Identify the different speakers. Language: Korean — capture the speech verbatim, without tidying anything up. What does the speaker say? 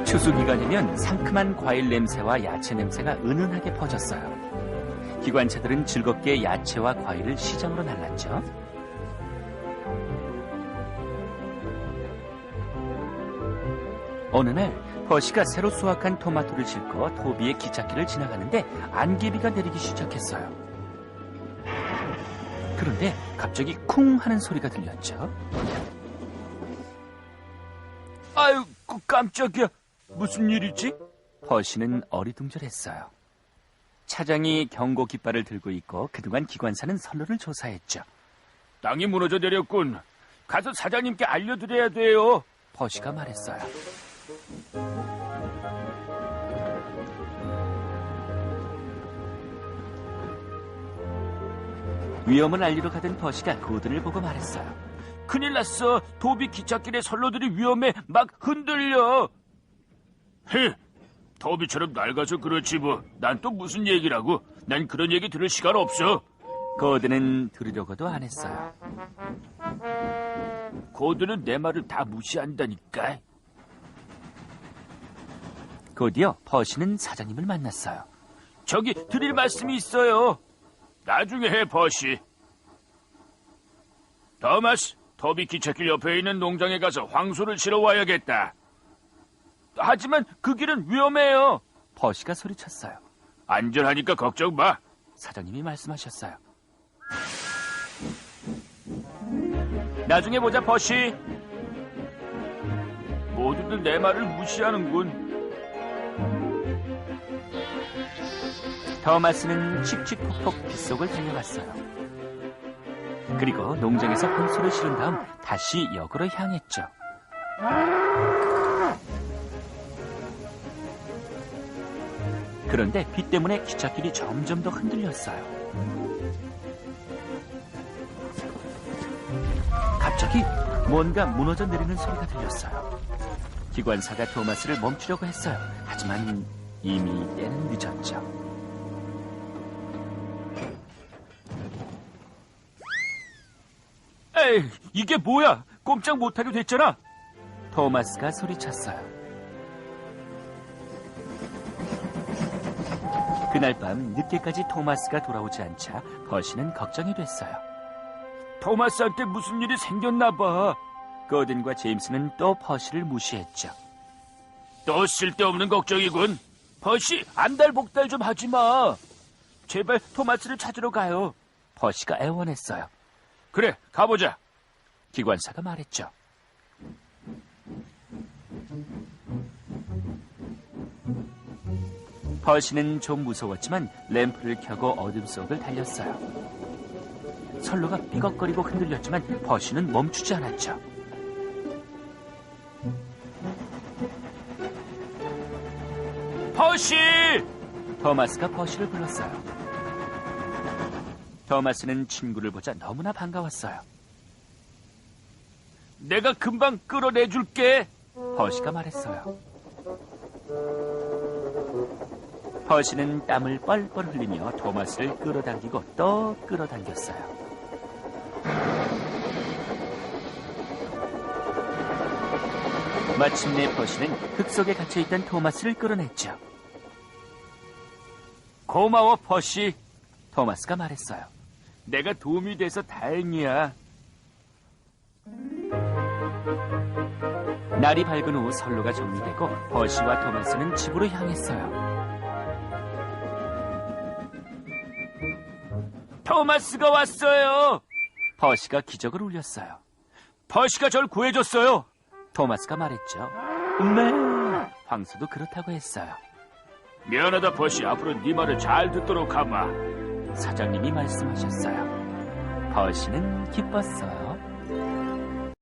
Speaker 1: 추수 기간이면 상큼한 과일 냄새와 야채 냄새가 은은하게 퍼졌어요. 기관차들은 즐겁게 야채와 과일을 시장으로 날랐죠. 어느 날 버시가 새로 수확한 토마토를 싣고 토비의 기찻길을 지나가는데 안개비가 내리기 시작했어요. 그런데 갑자기 쿵 하는 소리가 들렸죠. 아유, 깜짝이야. 무슨 일이지? 버시는 어리둥절했어요. 차장이 경고 깃발을 들고 있고 그동안 기관사는 선로를 조사했죠. 땅이 무너져 내렸군. 가서 사장님께 알려드려야 돼요. 버시가 말했어요. 위험을 알리러 가던 버시가 고든을 보고 말했어요. 큰일 났어. 도비 기찻길의 선로들이 위험해. 막 흔들려. 헤, 도비처럼 낡아서 그렇지 뭐. 난 또 무슨 얘기라고. 난 그런 얘기 들을 시간 없어. 고든은 들으려고도 안 했어요. 고든은 내 말을 다 무시한다니까. 곧이어 버시는 사장님을 만났어요. 저기 드릴 말씀이 있어요. 나중에 해, 버시. 더마스, 토비 기찻길 옆에 있는 농장에 가서 황소를 실어 와야겠다. 하지만 그 길은 위험해요. 버시가 소리쳤어요. 안전하니까 걱정 마. 사장님이 말씀하셨어요. 나중에 보자, 버시. 모두들 내 말을 무시하는군. 더마스는 칙칙폭폭 빗속을 달려갔어요. 그리고 농장에서 황소를 실은 다음 다시 역으로 향했죠. 그런데 비 때문에 기찻길이 점점 더 흔들렸어요. 갑자기 뭔가 무너져 내리는 소리가 들렸어요. 기관사가 토마스를 멈추려고 했어요. 하지만 이미 때는 늦었죠. 에이, 이게 뭐야? 꼼짝 못하게 됐잖아. 토마스가 소리쳤어요. 그날 밤 늦게까지 토마스가 돌아오지 않자 버시는 걱정이 됐어요. 토마스한테 무슨 일이 생겼나 봐. 거든과 제임스는 또 버시를 무시했죠. 또 쓸데없는 걱정이군. 버시, 안달복달 좀 하지 마. 제발 토마스를 찾으러 가요. 버시가 애원했어요. 그래, 가보자. 기관사가 말했죠. 버시는 좀 무서웠지만 램프를 켜고 어둠 속을 달렸어요. 선로가 삐걱거리고 흔들렸지만 버시는 멈추지 않았죠. 버시! 더마스가 버시를 불렀어요. 더마스는 친구를 보자 너무나 반가웠어요. 내가 금방 끌어내줄게. 버시가 말했어요. 버시는 땀을 뻘뻘 흘리며 토마스를 끌어당기고 또 끌어당겼어요. 마침내 버시는 흙 속에 갇혀있던 토마스를 끌어냈죠. 고마워, 버시. 토마스가 말했어요. 내가 도움이 돼서 다행이야. 날이 밝은 후 선로가 정리되고 버시와 토마스는 집으로 향했어요. 토마스가 왔어요. 버시가 기적을 울렸어요. 버시가 절 구해줬어요. 토마스가 말했죠. 네. 황소도 그렇다고 했어요. 미안하다, 버시. 앞으로 네 말을 잘 듣도록 하마. 사장님이 말씀하셨어요. 버시는 기뻤어요.